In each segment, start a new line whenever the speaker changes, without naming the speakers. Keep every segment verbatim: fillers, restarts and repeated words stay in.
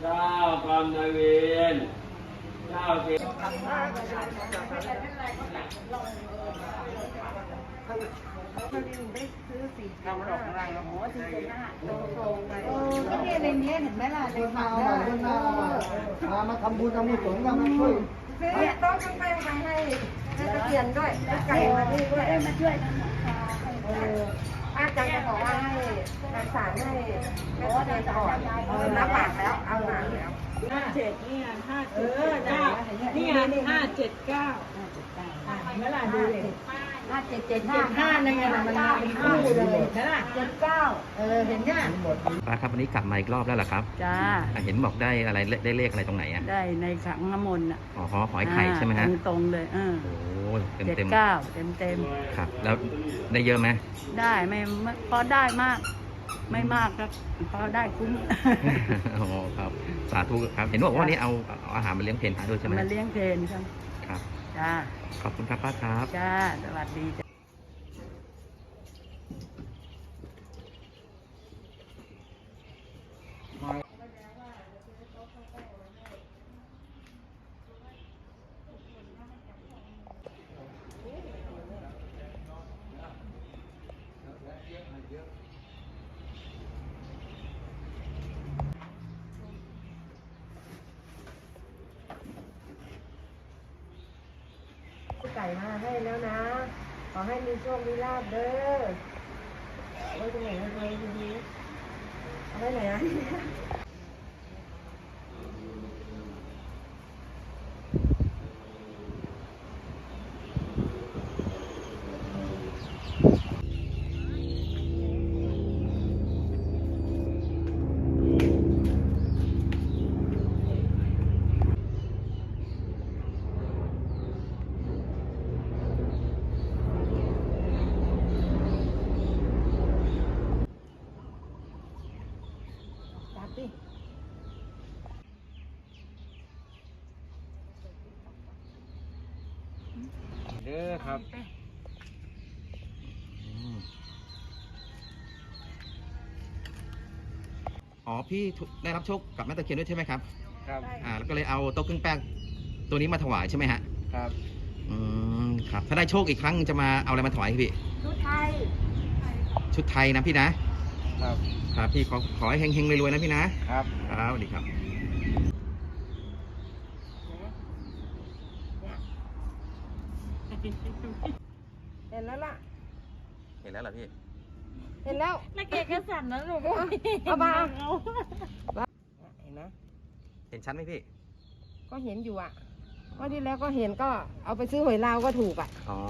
จ้ากรรมนายเวรเจ้าเกศ
ได้ซื้อสี่ทำหลอกอะไรโอ้โหสี่เจ็ดห้าตรงๆไปเออก็เนี่ยในนี้เห็นไหมล่ะในผักเนี่ย
มาทำบุญทำบุญสงฆ์กันมาช่วย
ซื้อต้องข้างไปมาให้ให้ตะเกียนด้วยไก่มาที่ด้วยมาช่วยกันเอออาจารย์จะบอกว่าให้รักษาให้แม่ตะเกียนก่อนรับปากแล้วเอาหลานแล้ว
ห้าเจ็ดนี่ห้าเจ็ดเก้านี่ห้าเจ็ดเก้าเมื่อไหร่ดูเลย
ห้าเจ็ดเจ็ดห้า
ห้าในไงมันมาเป็นคู่เลยใช่ไหม
เจ็ดเก้าเออเห็นยัง
ป้าครับวันนี้กลับมาอีกรอบแล้วเหรอครับ
จ้า
อ่ะเห็นบอกได้อะไรได้เลขอะไรตรงไหนอ่ะ
ได้ในขังน้ำมนต์อ่ะ
อ๋อหอไอ้ไข่ใช่ไหมฮะ
ตรงๆเลยเออ
โอ้ยเต็ม
เจ็ด
เต็ม
เก้าเต็มเต็ม
ครับ แล้วได้เยอะไหม
ได้ไม่พอได้มาก ไม่มากครับพอได้คุ้ม
อ๋อครับสาธุครับเห็นบอกว่าวันนี้เอาเอาอาหารมาเลี้ยงเพลนพระด้วยใช่ไหม
มาเลี้ยงเพลนครับ
ครับ
จ้า
ขอบคุณครับป้าครับ
จ้าสวัสดีจ้า
ไก่มาให้แล้วนะ ขอให้มีโชคมีลาภเด้อเอาไว้ตรงไหนเอาไว้ตรงนี้เอาไว้ไหนอ่ะจับดิ
เด้อครับ
อืมอ๋อพี่ได้รับโชคกับแม่ตะเคียนด้วยใช่ไหมครับ
ครับ
อ่าแล้วก็เลยเอาโต๊ะเครื่องแป้งตัวนี้มาถวายใช่ไหมฮะ
ครับ
อืมครับถ้าได้โชคอีกครั้งจะมาเอาอะไรมาถวายพี่
ชุดไทย
ชุดไทยนะพี่นะครับ ครับพี่ขอขอให้เฮงๆรวยๆนะพี่นะครับ ครับสวัสดีครับ
เห็นแล้วล่ะ
เห็นแล้วเหรอพี่
เห็นแล้ว
แล้วแกก็สั่นนะลูก
เอามาเห็นไหม
เห็นชัดไหมพี่
ก็เห็นอยู่อ่ะว่าที่แล้วก็เห็นก็เอาไปซื้อหวยลาวก็ถูกอ่ะ
อ๋อ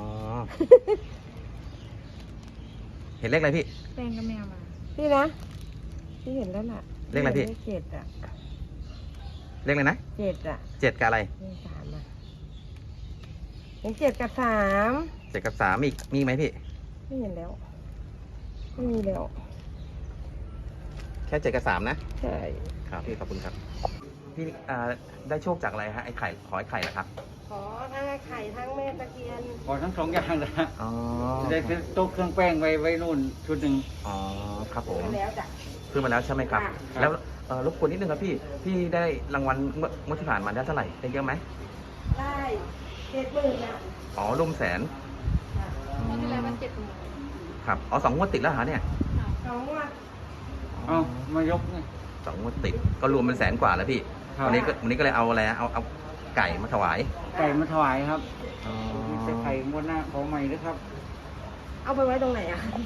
เห็นเลขอะไรพี่
แป้งก็แมวมา
พี่นะพี่เห็นแล้วล่ะ
เลขอะไรพี่
ลขเจ็ดอ่ะ
เลขอะไรนะ
เจ็ดอ่ะ
เจ็ดกับอะไร
เลขสามอ่ะเห็นเจ็ดกับสาม
เจ็ดกับสามมีมีไหมพี่
ไม่เห็นแล้วไม่มีแล้ว
แค่เจ็ดกับสามนะ
ใช่
ครับพี่ขอบคุณครับ พี่อ่าได้โชคจากอะไรฮะไอ้ไข่ขอไอ้ไข่เหรอครับ
ขอทั้งไข่ทั้งแม่ตะเคียน
ขอทั้งสองอย่างนะ
อ๋อ
ได้ซื้อโต๊ะเครื่องแป้งไว้ไว้นู่นชุดหนึ่ง
อ๋อครับผม
มาแล้วจ้ะ
ขึ้นมาแล้วใช่ไหมครับ
ค่ะ
แล้วเอ่อรบกวนนิดนึงครับพี่พี่ได้รางวัลเมื่อเมื่อที่ผ่านมาได้เท่าไหร่ได้เยอะไหม
ได้เจ็ดหมื่นอ่ะ
อ๋อร่วมแสน
ตอนที่แล้วมันเจ็ดหมื่น
ครับอ๋อสองงวดติดแล้วเหรอเนี่ย
สองงวด
เอ้ามายกนี่
สองงวดติดก็รวมเป็นแสนกว่าแล้วพี่
ครับ
วันนี้ก็วันนี้ก็เลยเอาอะไรนะเอาเอาไก่มาถวาย
ไก่มาถวายครับ
อ๋อ
จะไข่งวดหน้าขอใหม่ด้วยครับ
เอาไปไว้ตรงไหนอ่ะ